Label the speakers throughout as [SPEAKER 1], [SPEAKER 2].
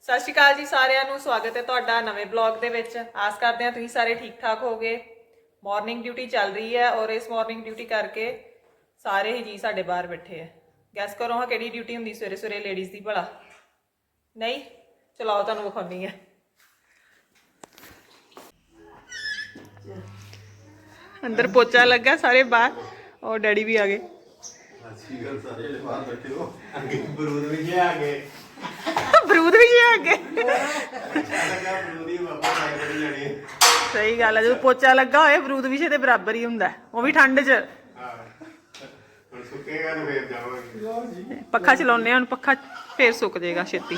[SPEAKER 1] ਸਤਿ ਸ਼੍ਰੀ ਅਕਾਲ ਜੀ ਸਾਰਿਆਂ ਨੂੰ। ਸਵਾਗਤ ਹੈ ਤੁਹਾਡਾ ਨਵੇਂ ਬਲੌਗ ਦੇ ਵਿੱਚ। ਆਸ ਕਰਦੇ ਹਾਂ ਤੁਸੀਂ ਸਾਰੇ ਠੀਕ ਠਾਕ ਹੋਗੇ। ਮਾਰਨਿੰਗ ਡਿਊਟੀ ਚੱਲ ਰਹੀ ਹੈ ਔਰ ਇਸ ਮਾਰਨਿੰਗ ਡਿਊਟੀ ਕਰਕੇ ਸਾਰੇ ਹੀ ਜੀ ਸਾਡੇ ਬਾਹਰ ਬੈਠੇ ਆ। ਗੈਸ ਕਰੋ ਹਾਂ ਕਿਹੜੀ ਡਿਊਟੀ ਹੁੰਦੀ ਸਵੇਰੇ ਸਵੇਰੇ ਲੇਡੀਜ਼ ਦੀ ਭਲਾ? ਨਹੀਂ, ਚਲਾਓ ਤੁਹਾਨੂੰ ਵਿਖਾਉਣੀ ਹੈ। ਅੰਦਰ ਪੋਚਾ ਲੱਗਾ, ਸਾਰੇ ਬਾਹਰ ਔਰ ਡੈਡੀ ਵੀ ਆ ਗਏ। ਬਰੂਦ ਵੀ ਆ ਗਏ। ਸਹੀ ਗੱਲ ਹੈ, ਜਦੋਂ ਪੋਚਾ ਲੱਗਾ ਹੋਏ ਬਰੂਦ ਵਿਸ਼ੇ ਦੇ ਬਰਾਬਰ ਹੀ ਹੁੰਦਾ, ਉਹ ਵੀ ਠੰਡ 'ਚ। ਪੱਖਾ ਚਲਾਉਂਦੇ ਹੁਣ, ਪੱਖਾ ਫੇਰ ਸੁੱਕ ਜਾਏਗਾ ਛੇਤੀ।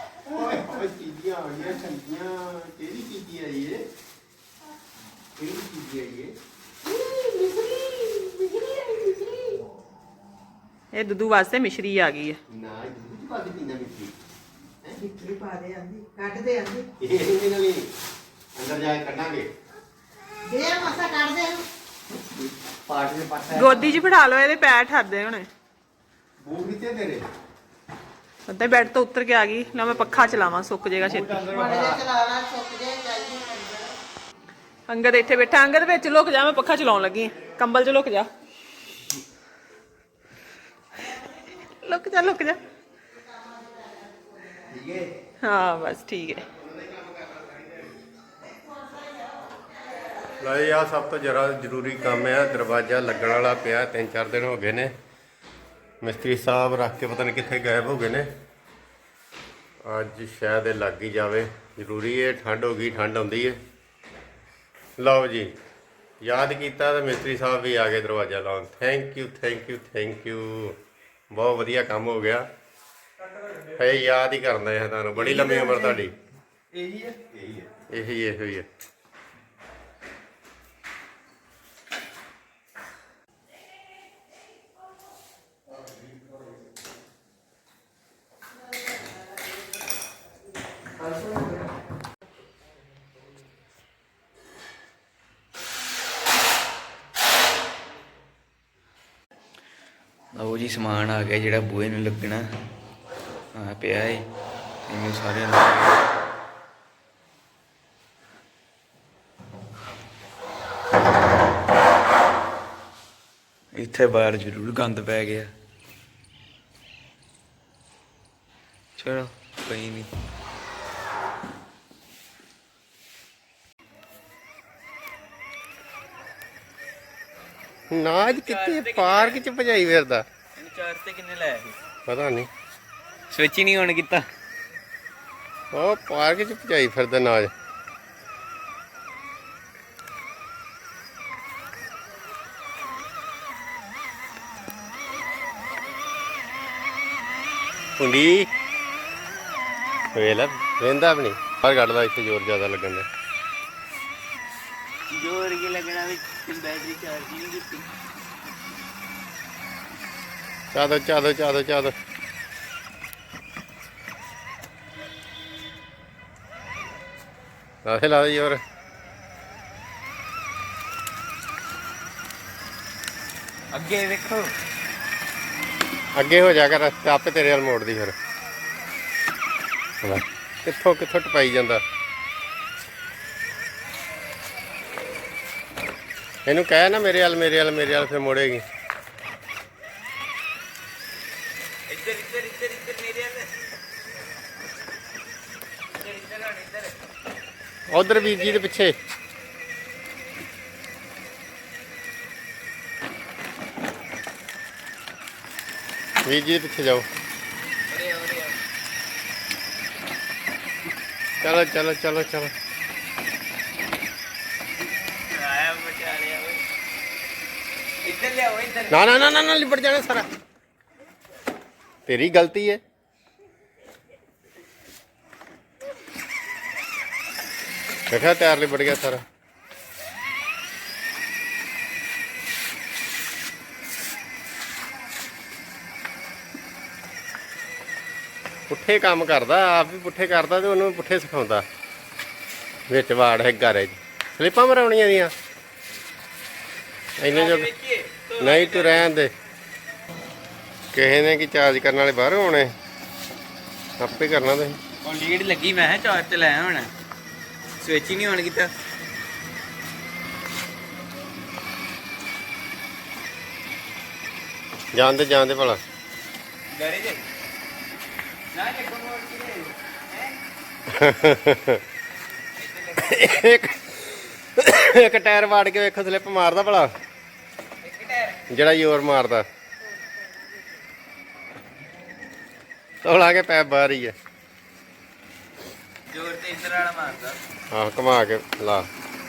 [SPEAKER 1] ਇਹ ਦੁੱਧੂ ਵਾਸਤੇ ਮਿਸ਼ਰੀ ਆ ਗਈ ਹੈ। ਗੋਦੀ 'ਚ ਬਿਠਾ ਲਓ, ਇਹਦੇ ਪੈਰ ਠਰਦੇ ਹੋਣੇ। ਅੱਧੇ ਬੈੱਡ ਤੋਂ ਉੱਤਰ ਕੇ ਆ ਗਈ ਨਾ। ਮੈਂ ਪੱਖਾ ਚਲਾਵਾਂ, ਸੁੱਕ ਜਾਏਗਾ ਛੇਤੀ। ਅੰਗਦ ਇੱਥੇ ਬੈਠਾ। ਅੰਗਦ ਵਿੱਚ ਲੁਕ ਜਾ, ਮੈਂ ਪੱਖਾ ਚਲਾਉਣ ਲੱਗੀ। ਕੰਬਲ 'ਚ ਲੁਕ ਜਾ, ਲੁਕ ਜਾ, ਲੁਕ ਜਾ। ਹਾਂ ਬਸ ਠੀਕ ਹੈ।
[SPEAKER 2] ਲਈ ਆ ਸਭ ਤੋਂ ਜ਼ਿਆਦਾ ਜ਼ਰੂਰੀ ਕੰਮ ਆ। ਦਰਵਾਜ਼ਾ ਲੱਗਣ ਵਾਲਾ ਪਿਆ, 3-4 ਦਿਨ ਹੋ ਗਏ ਨੇ। ਮਿਸਤਰੀ ਸਾਹਿਬ ਰੱਖ ਕੇ ਪਤਾ ਨਹੀਂ ਕਿੱਥੇ ਗਾਇਬ ਹੋ ਗਏ ਨੇ। ਅੱਜ ਸ਼ਾਇਦ ਇਹ ਲੱਗ ਹੀ ਜਾਵੇ, ਜ਼ਰੂਰੀ ਹੈ। ਠੰਡ ਹੋ ਗਈ, ਠੰਡ ਆਉਂਦੀ ਹੈ। ਲਓ ਜੀ, ਯਾਦ ਕੀਤਾ ਤਾਂ ਮਿਸਤਰੀ ਸਾਹਿਬ ਵੀ ਆ ਗਏ ਦਰਵਾਜ਼ਾ ਲਾਉਣ। Thank you, thank you, thank you. ਬਹੁਤ ਵਧੀਆ ਕੰਮ ਹੋ ਗਿਆ। ਇਹ ਯਾਦ ਹੀ ਕਰਨਾ ਹੈ ਤੁਹਾਨੂੰ। ਬੜੀ ਲੰਮੀ ਉਮਰ ਤੁਹਾਡੀ। ਇਹੀ ਹੈ, ਇਹੀ ਹੈ।
[SPEAKER 3] ਲਓ ਜੀ, ਸਮਾਨ ਆ ਗਿਆ ਜਿਹੜਾ ਬੂਹੇ ਨੂੰ ਲੱਗਣਾ। ਆ ਪਿਆ ਏ, ਇਹਨੂੰ ਸਾਰਿਆਂ ਨੂੰ ਇੱਥੇ ਬਾਹਰ ਜ਼ਰੂਰ ਗੰਦ ਪੈ ਗਿਆ। ਚਲੋ ਕੋਈ ਨਹੀਂ।
[SPEAKER 2] ਨਾਜ ਕਿੱਥੇ ਪਾਰਕ 'ਚ ਭਜਾਈ ਫਿਰਦਾ?
[SPEAKER 3] ਚਾਰਜ ਤੇ ਕਿੰਨੇ ਲਾਇਆ ਸੀ
[SPEAKER 2] ਪਤਾ ਨਹੀਂ,
[SPEAKER 3] ਸਵਿਚ ਹੀ ਨਹੀਂ ਔਨ ਕੀਤਾ।
[SPEAKER 2] ਉਹ ਪਾਰਕ 'ਚ ਭਜਾਈ ਫਿਰਦਾ ਨਾਜ। ਹੁੰਦੀ ਵੇਖ ਲੈ, ਵੇਂਦਾ ਵੀ ਨਹੀਂ। ਬਾਹਰ ਕੱਢਦਾ, ਇੱਥੇ ਜ਼ੋਰ ਜ਼ਿਆਦਾ ਲੱਗਣ ਦਾ।
[SPEAKER 3] ਜੋਰ ਕੀ ਲੱਗਣਾ ਵੀ ਬੈਟਰੀ ਚਾਰਜ ਨਹੀਂ ਕੀਤੀ।
[SPEAKER 2] ਚਾਦੋ ਲਾ ਦੇ ਜ਼ੋਰ।
[SPEAKER 3] ਅੱਗੇ ਵੇਖੋ,
[SPEAKER 2] ਅੱਗੇ ਹੋ ਜਾ ਕਰ, ਆਪੇ ਤੇਰੇ ਵੱਲ ਮੋੜਦੀ ਫਿਰ। ਕਿੱਥੋਂ ਟਪਾਈ ਜਾਂਦਾ। ਇਹਨੂੰ ਕਹਿ ਨਾ ਮੇਰੇ ਵੱਲ ਫਿਰ ਮੋੜੇਗੀ।
[SPEAKER 3] ਇੱਧਰ ਮੇਰੇ ਵੱਲ।
[SPEAKER 2] ਉਧਰ ਵੀਰ ਜੀ ਦੇ ਪਿੱਛੇ। ਵੀਰ ਜੀ ਦੇ ਪਿੱਛੇ ਜਾਓ। ਚਲੋ। ਨਾ ਲਿਪਟ ਜਾਣਾ ਸਾਰਾ। ਤੇਰੀ ਗਲਤੀ ਹੈ। ਦੇਖਿਆ, ਟਾਇਰ ਲਿਪਟ ਗਿਆ ਸਾਰਾ। ਪੁੱਠੇ ਕੰਮ ਕਰਦਾ, ਆਪ ਵੀ ਪੁੱਠੇ ਕਰਦਾ ਤੇ ਉਹਨੂੰ ਪੁੱਠੇ ਸਿਖਾਉਂਦਾ। ਵਿੱਚ ਵਾੜ ਹੈ ਘਰੇ 'ਚ ਸਲਿੱਪਾਂ ਮਰਾਉਣੀਆਂ ਦੀਆਂ। ਇੰਨੇ ਜੋ ਨਹੀਂ, ਤੂੰ ਰਹਿਣ ਦੇ। ਕਿਸੇ ਨੇ ਕੀ ਚਾਰਜ ਕਰਨ ਵਾਲੇ ਬਾਹਰੋਂ ਆਉਣੇ, ਆਪੇ ਕਰਨਾ ਤੁਸੀਂ।
[SPEAKER 3] ਉਹ ਲੀਡ ਲੱਗੀ ਮੈਂ ਚਾਰਜ ਤੇ ਲਾਇਆ ਹੁਣ ਸਵਿਚ ਹੀ ਨਹੀਂ ਆਨ ਕੀਤਾ
[SPEAKER 2] ਜਾਂਦੇ ਭਲਾ
[SPEAKER 3] ਡਰੇ ਜੇ ਨਾ ਲੱਗੋ ਮੋੜ
[SPEAKER 2] ਇੱਕ ਇੱਕ ਟਾਇਰ ਵਾੜ ਕੇ ਵੇਖੋ ਸਲਿੱਪ ਮਾਰਦਾ ਭਲਾ
[SPEAKER 3] ਇੱਕ ਟਾਇਰ
[SPEAKER 2] ਜਿਹੜਾ ਜ਼ੋਰ ਮਾਰਦਾ ਤੋਲਾ ਕੇ ਪੈਪ ਬਾਹਰ ਹੀ ਹੈ
[SPEAKER 3] ਜ਼ੋਰ ਤੇ ਇੰਦਰ ਵਾਲਾ ਮਾਰਦਾ
[SPEAKER 2] ਆਹ ਘੁਮਾ ਕੇ ਲਾ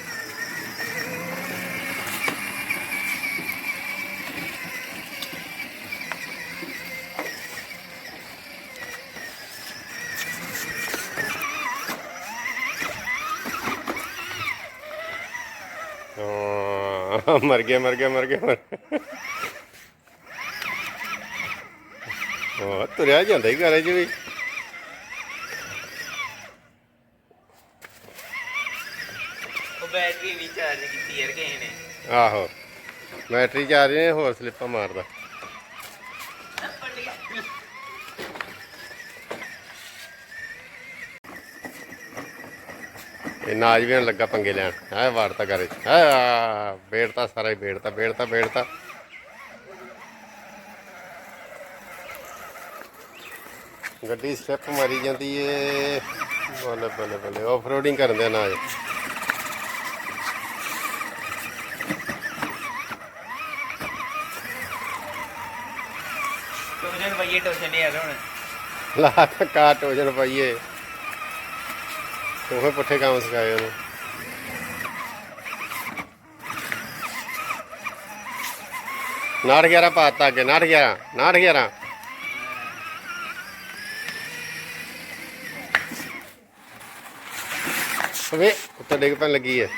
[SPEAKER 2] ਮਰ ਗਿਆ ਉਹ ਤੁਰਿਆ ਜਾਂਦਾ ਹੀ ਘਰੇ ਚ ਵੀ
[SPEAKER 3] ਉਹ ਬੈਟਰੀ ਵੀ ਚਾਰਜ ਕੀਤੀ ਯਾਰ ਕਿਸੇ ਨੇ
[SPEAKER 2] ਆਹੋ ਬੈਟਰੀ ਚਾਰਜ ਨੇ ਹੋਰ ਸਲਿੱਪਾਂ ਮਾਰਦਾ ਇਹ ਨਾਜ ਵੀ ਲੱਗਾ ਪੰਗੇ ਲੈਣ ਹੈ ਵਾਰਤਾ ਕਰੇ ਹੈ ਬੇੜਤਾ ਸਾਰਾ ਹੀ ਬੇੜਤਾ ਗੱਡੀ ਸਟੈਪ ਮਾਰੀ ਜਾਂਦੀ ਏ ਬੱਲੇ ਆਫ ਰੋਡਿੰਗ ਕਰਦੇ ਨਾਜ
[SPEAKER 3] ਟੋਜਨ ਭਈਏ ਟੋਜਨ ਯਾਰ ਹੁਣ
[SPEAKER 2] ਲਾ ਕਾ ਟੋਜਨ ਪਾਈਏ ਉਹ ਪੁੱਠੇ ਕੰਮ ਸਿਖਾਏ ਉਹਨੂੰ ਨਾੜ 11 ਪਾਤਾ ਅੱਗੇ ਨਾੜ 11 ਵੇ ਉੱਤੇ ਡਿੱਗ ਪੈਣ ਲੱਗੀ ਹੈ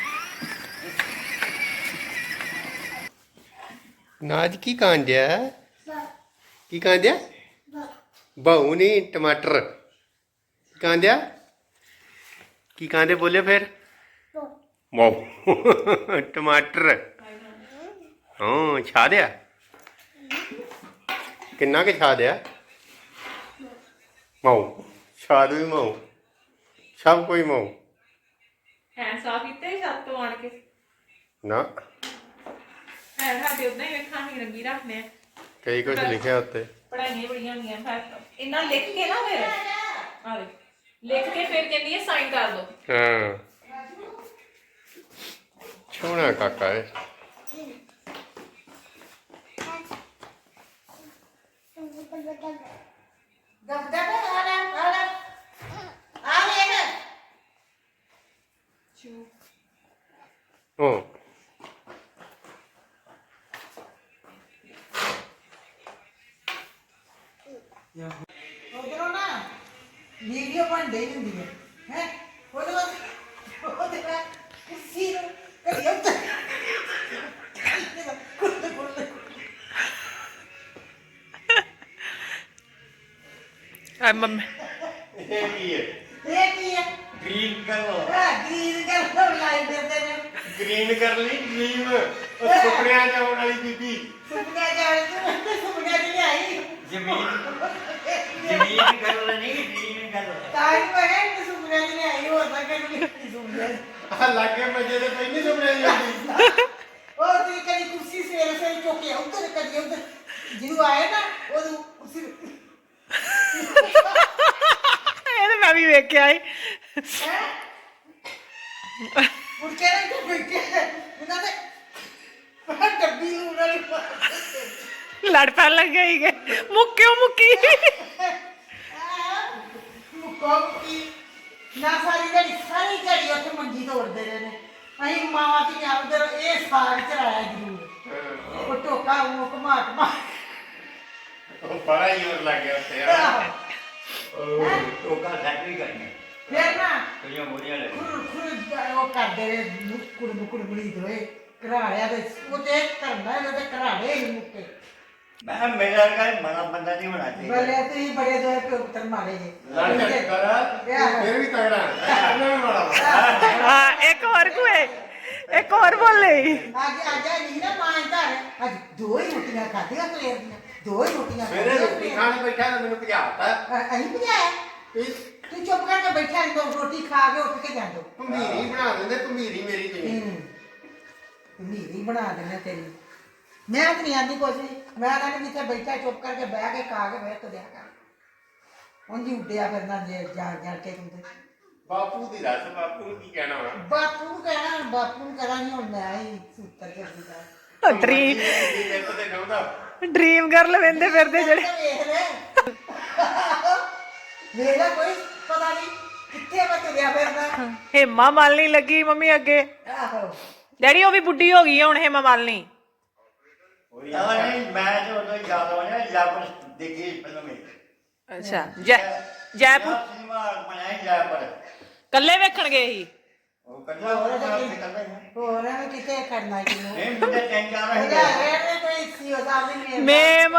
[SPEAKER 2] ਨਾਜ ਕੀ ਕਾਂਡਿਆ ਬਾਹੂ ਨਹੀਂ ਟਮਾਟਰ ਕਾਂਡਿਆ ਕੀ ਕਾਂਦੇ ਬੋਲੇ ਫਿਰ ਵਾਓ ਟਮਾਟਰ ਹਾਂ ਛਾ ਦਿਆ ਕਿੰਨਾ ਕਿ ਛਾ ਦਿਆ ਮਾਉ ਛਾਦ ਵੀ ਮਾਉ ਸਭ ਕੋਈ ਮਾਉ
[SPEAKER 1] ਹੈ ਸਾਫ ਕੀਤੇ ਛੱਤ ਤੋਂ ਆਣ ਕੇ
[SPEAKER 2] ਨਾ
[SPEAKER 1] ਹੈ ਸਾਡੇ ਉਦਾਂ ਹੀ ਵੇਖਾਂ ਹੀ ਰੰਗੀ ਰੱਖਨੇ ਆ
[SPEAKER 2] ਕਈ ਕੁਝ ਲਿਖਿਆ ਉੱਤੇ
[SPEAKER 1] ਪੜਾਈਆਂ ਬੜੀਆਂ ਹੁੰਦੀਆਂ ਫਿਰ ਇਹਨਾਂ ਲਿਖ ਕੇ ਨਾ ਫਿਰ ਆਵੇ ਲਿਖ ਕੇ ਫਿਰ ਕਹਿੰਦੀ ਹੈ ਸਾਈਨ ਕਰ ਦੋ
[SPEAKER 2] ਹਾਂ ਸੋਹਣਾ ਕਾਕਾ ਹੈ ਉਹ
[SPEAKER 4] ਉਧਰੋਂ ਨਾ ਵੀਡੀਓ ਬਣਦੀ ਹੁੰਦੀ ਹੈ ਹੈ ਉਹਦੇ ਬਾਅਦ ਕੁਰਸੀ ਨੂੰ ਕਰੀ ਉੱਤੇ
[SPEAKER 1] ਆ ਮੰਮੀ
[SPEAKER 2] ਇਹ ਕੀ ਹੈ
[SPEAKER 4] ਇਹ ਕੀ ਹੈ
[SPEAKER 2] ਗ੍ਰੀਨ ਕਲਰ
[SPEAKER 4] ਗ੍ਰੀਨ ਕਲਰ ਲਾਈ ਫਿਰਦੇ ਨੇ
[SPEAKER 2] ਗ੍ਰੀਨ ਕਰ ਲਈ ਡ੍ਰੀਮ ਉਹ ਸੁਪਨਿਆਂ ਚ ਆਉਣ ਵਾਲੀ ਬੀਬੀ
[SPEAKER 4] ਸੁਪਨੇ ਜਾਣ ਤੇ ਸੁਪਨੇ ਦੀ ਆਈ
[SPEAKER 3] ਜ਼ਮੀਨ ਗੱਲ ਨਹੀਂ ਜ਼ਮੀਨ ਗੱਲ
[SPEAKER 4] ਤਾਂ ਹੀ ਮੈਂ ਕਿ ਸੁਪਨੇ ਦੀ ਆਈ ਹੋ ਤਾਂ ਕਿ ਨਹੀਂ ਸੁਪਨੇ
[SPEAKER 2] ਆ ਲੱਗੇ ਮੱਜੇ ਦੇ ਪਹਿਲੀ ਸੁਪਨਿਆਂ ਚ ਆਉਂਦੀ
[SPEAKER 4] ਉਹ ਤੁਸੀਂ ਕਦੀ ਕੁਰਸੀ ਸਵੇਰੇ ਚੁੱਕ ਕੇ ਉੱਧਰ ਕਦੀ ਉੱਧਰ ਜਿਹਨੂੰ ਆਏ ਨਾ ਉਹਨੂੰ ਕੁਰਸੀ
[SPEAKER 1] ਇਹ ਤਾਂ ਮੈਂ ਵੀ ਵੇਖਿਆ ਏ
[SPEAKER 4] ਮੁੜ ਕੇ ਨਾ ਕਿ ਬੈਠੇ ਉਹਨਾਂ ਦੇ ਡੱਬੀ ਨੂੰ ਉਹਨਾਂ ਨੇ
[SPEAKER 1] ਲੜ ਪੈਣ ਲੱਗੇ ਹੀਗੇ ਮੁੱਕੀ
[SPEAKER 4] ਮੁੱਕੀ ਨਾ ਸਾਰੀ ਘੜੀ ਉੱਥੇ ਮੰਜੀ ਤੋੜਦੇ ਰਹੇ ਨੇ ਅਸੀਂ ਮਾਵਾਂ ਤੇ ਉਧਰ ਇਹ ਸਾਗ ਚਰਾਇਆ ਜ਼ਰੂਰ ਉਹ ਟੋਕਾ ਉਹ ਘੁਮਾ
[SPEAKER 2] ਉਹ ਬੜਾ ਹੀ ਹੋਰ ਲੱਗ ਗਿਆ ਉੱਤੇ ਯਾਰ
[SPEAKER 3] ਟੋਕਾ ਫੈਕਟਰੀ ਕਰਨੀ
[SPEAKER 4] ਫਿਰ ਨਾ
[SPEAKER 3] ਕੁੜੀਆਂ ਮੋਰੀਆਂ ਲੈ
[SPEAKER 4] ਖੁਰ ਉਹ ਕਰਦੇ ਰਹੇ ਕੁੜਮੁੜੀ ਦੋਏ ਘਰਾੜਿਆ ਤੇ ਉਹ ਤੇ ਕਰਨਾ ਇਹਦੇ ਤੇ ਘਰਾੜੇ ਹੀ ਮੁੱਕੇ
[SPEAKER 3] ਮੈਂ ਮੇਰਾ ਵਰਗਾ ਮਾੜਾ ਬੰਦਾ ਨਹੀਂ ਹੋਣਾ ਚਾਹੀਦਾ
[SPEAKER 4] ਬਲੇ ਤੁਸੀਂ ਬੜੇ ਦੋਏ ਪੁੱਤਰ ਮਾਰੇ ਜੇ
[SPEAKER 2] ਲੜ ਕਰ ਫਿਰ ਵੀ ਤਗੜਾ ਇਹਨਾਂ ਵੀ ਮਾੜਾ
[SPEAKER 1] ਹਾਂ ਇੱਕ ਹੋਰ ਬੋਲੇ
[SPEAKER 4] ਅੱਜ ਨਹੀਂ ਨਾ ਮਾਂ ਘਰ ਅੱਜ ਦੋ ਹੀ ਰੋਟੀਆਂ ਖਾਧੀਆਂ ਸਵੇਰ ਦੀਆਂ ਦੋ ਹੀ ਰੋਟੀਆਂ
[SPEAKER 2] ਮੇਰੇ ਰੋਟੀ ਖਾਣ ਬੈਠਾ ਤਾਂ ਮੈਨੂੰ ਭਜਾਤਾ
[SPEAKER 4] ਅਸੀਂ ਭਜਾਇਆ ਤੂੰ ਚੁੱਪ ਕਰਕੇ ਬੈਠਾ ਰਹਿ ਰੋਟੀ ਖਾ ਕੇ ਉੱਠ ਕੇ ਜਾਂਦੋ
[SPEAKER 2] ਭੰਬੀਰੀ ਬਣਾ ਦਿੰਦੇ ਭੰਬੀਰੀ ਮੇਰੀ ਤੁਸੀਂ
[SPEAKER 4] ਨੀਰੀ ਬਣਾ ਦੇਣਾ ਤੇਰੀ ਮੈਂ ਤਾਂ ਨਹੀਂ ਆਂਦੀ ਕੁਛ ਵੀ ਮੈਂ ਤਾਂ ਜਿੱਥੇ ਬੈਠਾ ਚੁੱਪ ਕਰਕੇ ਬਹਿ ਕੇ ਖਾ ਕੇ ਬਹਿ ਤੁਰਿਆ ਕਰ ਉਂਝ ਉੱਡਿਆ ਫਿਰਨਾ ਜੇ ਜਾਣ ਕੇ ਤੂੰ ਤੇ
[SPEAKER 2] ਬਾਪੂ ਦੀ ਦੱਸ ਬਾਪੂ ਨੂੰ ਕੀ ਕਹਿਣਾ ਵਾ
[SPEAKER 4] ਬਾਪੂ ਨੂੰ ਕਹਿਣਾ ਬਾਪੂ ਨੂੰ ਕਰਾਂਗੀ ਹੁਣ ਮੈਂ ਹੀ ਸੂਤਰ ਕਰਦੀ ਦਾ
[SPEAKER 1] ਡ੍ਰੀਮ
[SPEAKER 2] ਮਿਹਨਤ ਤੇ ਚਾਹੁੰਦਾ
[SPEAKER 1] ਡ੍ਰੀਮ ਗਰਲ ਵੇਂਦੇ ਫਿਰਦੇ ਜਿਹੜੇ
[SPEAKER 4] ਵੇਖ ਲੈ ਵੇਖ ਲੈ ਕੋਈ ਪਤਾ ਨਹੀਂ ਕਿੱਥੇ ਮੈਂ ਤੁਰਿਆ ਫਿਰਦਾ
[SPEAKER 1] ਹੇਮਾ ਮਾਲਣੀ ਲੱਗੀ ਮੰਮੀ ਅੱਗੇ
[SPEAKER 4] ਆਹੋ
[SPEAKER 1] ਡੈਡੀ ਉਹ ਵੀ ਬੁੱਢੀ ਹੋ ਗਈ ਆ ਹੁਣ ਹੇਮਾ ਮਾਲਣੀ
[SPEAKER 5] ਨਹੀਂ ਮੈਂ ਤੇ ਉਦੋਂ ਹੀ ਯਾਦ ਆਉਣਾ ਜੈਪੁਰ ਦੇਖੀ ਫਿਲਮ ਹੈ
[SPEAKER 1] ਅੱਛਾ ਜੈਪੁਰ
[SPEAKER 5] ਸਿਨੇਮਾ ਬਣਾਇਆ ਜੈਪੁਰ
[SPEAKER 1] ਕੱਲੇ ਵੇਖਣ ਗਏ ਸੀ
[SPEAKER 5] ਉਹ ਕੱਲਾ ਹੋਰ ਤੇ ਕੱਲਾ ਹੀ
[SPEAKER 4] ਹੋਰ ਐਵੇਂ ਕਿਤੇ ਕਰਨਾ ਕਿਨੂੰ
[SPEAKER 5] ਨਹੀਂ ਮੁੰਡੇ ਤਿੰਨ ਚਾਰ ਹੀ
[SPEAKER 4] ਉਹਦਾ ਰਹਿਣੇ ਕੋਈ ਸੀ ਉਹ ਸਾਹਮਣੇ
[SPEAKER 1] ਮੇਮ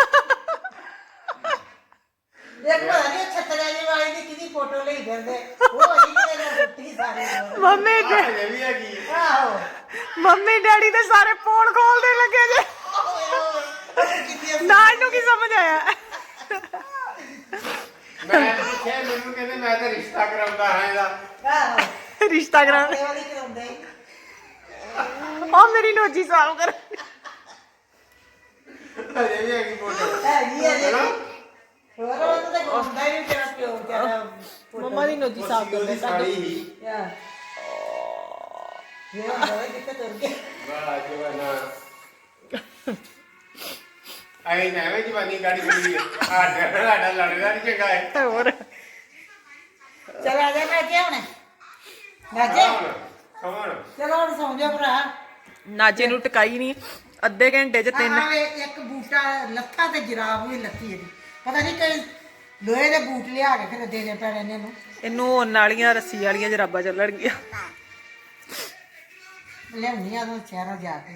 [SPEAKER 4] ਦੇਖ ਪਤਾ ਨਹੀਂ ਛੱਤਰਾ ਜੀ ਵਾਲੀ ਦੀ ਕਿਹਦੀ ਫੋਟੋ ਲਈ ਫਿਰਦੇ ਉਹ ਅਜੀ ਕਿਤੇ ਰੁੱਟੀ ਸਾਰੀ
[SPEAKER 1] ਮੰਮੀ
[SPEAKER 2] ਇਹ ਵੀ ਹੈਗੀ
[SPEAKER 4] ਆਹੋ
[SPEAKER 1] ਮੰਮੀ ਡੈਡੀ ਤੇ ਸਾਰੇ ਪੋਲ ਖੋਲਦੇ ਲੱਗੇ ਜੇ ਨਾਲ ਨੂੰ ਕੀ ਸਮਝ ਆਇਆ
[SPEAKER 2] ਮੈਂ ਪੁੱਛਿਆ ਮੈਨੂੰ ਕਹਿੰਦੇ ਮੈਂ ਤਾਂ ਰਿਸ਼ਤਾ ਕਰਾਉਂਦਾ ਹਾਂ ਇਹਦਾ
[SPEAKER 4] ਆਹੋ
[SPEAKER 1] ਰਿਸ਼ਤਾ ਕਰਾਉਣ
[SPEAKER 4] ਇਹ ਵਾਲੀ ਕਰਾਉਂਦੇ
[SPEAKER 1] ਆ ਮੇਰੀ ਨੋਜੀ ਸਾਫ ਕਰ
[SPEAKER 2] ਅਜੇ ਵੀ ਹੈਗੀ ਫੋਟੋ
[SPEAKER 4] ਹੈਗੀ ਆ ਜੇ ਹੋਰ ਉਹ ਤਾਂ ਗੋਂਦਾ ਹੀ ਨਹੀਂ ਤੇਰਾ ਪਿਓ ਤੇਰਾ
[SPEAKER 1] ਮੰਮਾ ਦੀ ਨੋਜੀ ਸਾਫ
[SPEAKER 2] ਉਹਦੀ ਸਾੜੀ ਹੀ
[SPEAKER 4] ਯਾ ਇਹ ਹੋਏ ਕਿੱਥੇ ਤੁਰ ਗਏ
[SPEAKER 2] ਵਾਹ ਜਵਾਨਾ ਆਈ ਨਾ ਵੇ ਜਵਾਨੀ ਗਾੜੀ ਖੜੀ ਸਾਡਾ ਲੜਦਾ ਨਹੀਂ ਚੰਗਾ ਹੈ
[SPEAKER 1] ਹੋਰ
[SPEAKER 4] ਚਲ ਆ ਜਾ ਮੈਂ ਕਿਹਾ ਹੁਣ ਰਾਜੇ
[SPEAKER 2] ਕੌਣ
[SPEAKER 4] ਚਲੋ ਹੁਣ ਸੌਂ ਜਾ ਭਰਾ
[SPEAKER 1] ਨਾਜੇ ਨੂੰ ਟਿਕਾਈ ਨਹੀਂ ਅੱਧੇ ਘੰਟੇ 'ਚ ਤਿੰਨ
[SPEAKER 4] ਆਹ ਇੱਕ ਬੂਟਾ ਲੱਥਾ ਤੇ ਜਰਾਬ ਵੀ ਲੱਥੀ ਇਹਦੀ ਪਤਾ ਨਹੀਂ ਕਈ ਲੋਹੇ ਦੇ ਬੂਟ ਲਿਆ ਕੇ ਫਿਰ ਦੇਣੇ ਪੈਣੇ ਨੇ ਇਹਨੂੰ
[SPEAKER 1] ਇਹਨੂੰ ਉਹਨਾਂ ਵਾਲੀਆਂ ਰੱਸੀ ਵਾਲੀਆਂ ਜਰਾਬਾਂ ਚੱਲਣਗੀਆਂ
[SPEAKER 4] ਲਿਆਉਣੀ ਆ ਉਹ ਸ਼ਹਿਰੋਂ ਜਾ ਕੇ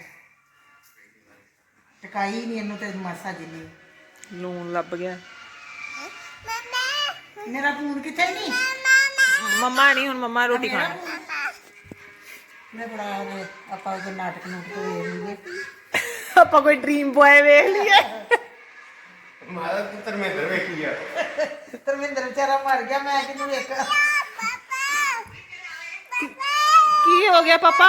[SPEAKER 4] ਟਕਾਈ ਨਹੀਂ ਇਹਨੂੰ ਤੇ ਮਾਸਾ ਜਿੰਨੀ
[SPEAKER 1] ਲੂਣ ਲੱਭ ਗਿਆ
[SPEAKER 4] ਮੇਰਾ ਫੋਨ ਕਿੱਥੇ ਨਹੀਂ
[SPEAKER 1] ਮੰਮਾ ਨਹੀਂ ਹੁਣ ਮੰਮਾ ਰੋਟੀ ਖਾਣੀ
[SPEAKER 4] ਮੈਂ ਬੜਾ ਉਹਨੇ ਆਪਾਂ ਉਹ ਨਾਟਕ ਨੂੰ ਵੇਖ ਲਈਏ
[SPEAKER 1] ਆਪਾਂ ਕੋਈ ਡ੍ਰੀਮ ਬॉय ਵੇਖ ਲਈਏ
[SPEAKER 2] ਮਾਰਾ ਤੂੰ ਧਰਮਿੰਦਰ ਵੇਖੀ ਆ
[SPEAKER 4] ਧਰਮਿੰਦਰ ਵਿਚਾਰਾ ਮਰ ਗਿਆ ਮੈਂ ਕਿਹਨੂੰ ਇੱਕ
[SPEAKER 1] ਕੀ ਹੋ ਗਿਆ ਪਾਪਾ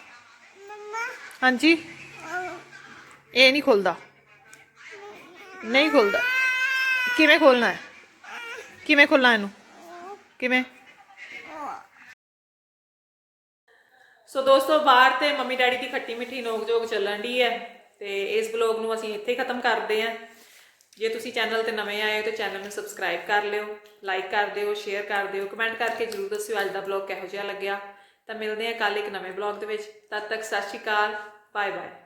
[SPEAKER 1] ਹਾਂਜੀ ਇਹ ਨਹੀਂ ਖੁੱਲਦਾ ਨਹੀਂ ਖੁੱਲਦਾ ਕਿਵੇਂ ਖੋਲਣਾ ਹੈ ਕਿਵੇਂ ਖੋਲਣਾ ਇਹਨੂੰ ਕਿਵੇਂ ਸੋ ਦੋਸਤੋ ਬਾਹਰ ਤੇ ਮੰਮੀ ਡੈਡੀ ਦੀ ਖੱਟੀ ਮਿੱਠੀ ਨੋਕ ਝੋਕ ਚੱਲਣ ਦੀ ਹੈ ਤੇ ਇਸ ਬਲੌਗ ਨੂੰ ਅਸੀਂ ਇੱਥੇ ਖਤਮ ਕਰਦੇ ਹਾਂ ਜੇ ਤੁਸੀਂ ਚੈਨਲ ਤੇ ਨਵੇਂ ਆਏ ਹੋ ਤਾਂ ਚੈਨਲ ਨੂੰ ਸਬਸਕ੍ਰਾਈਬ ਕਰ ਲਿਓ ਲਾਈਕ ਕਰ ਦਿਓ ਸ਼ੇਅਰ ਕਰ ਦਿਓ ਕਮੈਂਟ ਕਰਕੇ ਜਰੂਰ ਦੱਸਿਓ ਅੱਜ ਦਾ ਬਲੌਗ ਕਿਹੋ ਜਿਹਾ ਲੱਗਿਆ ਤਾਂ ਮਿਲਦੇ ਹਾਂ ਕੱਲ ਇੱਕ ਨਵੇਂ ਬਲੌਗ ਦੇ ਵਿੱਚ ਤਦ ਤੱਕ ਸਤਿ ਸ਼੍ਰੀ ਅਕਾਲ ਬਾਏ ਬਾਏ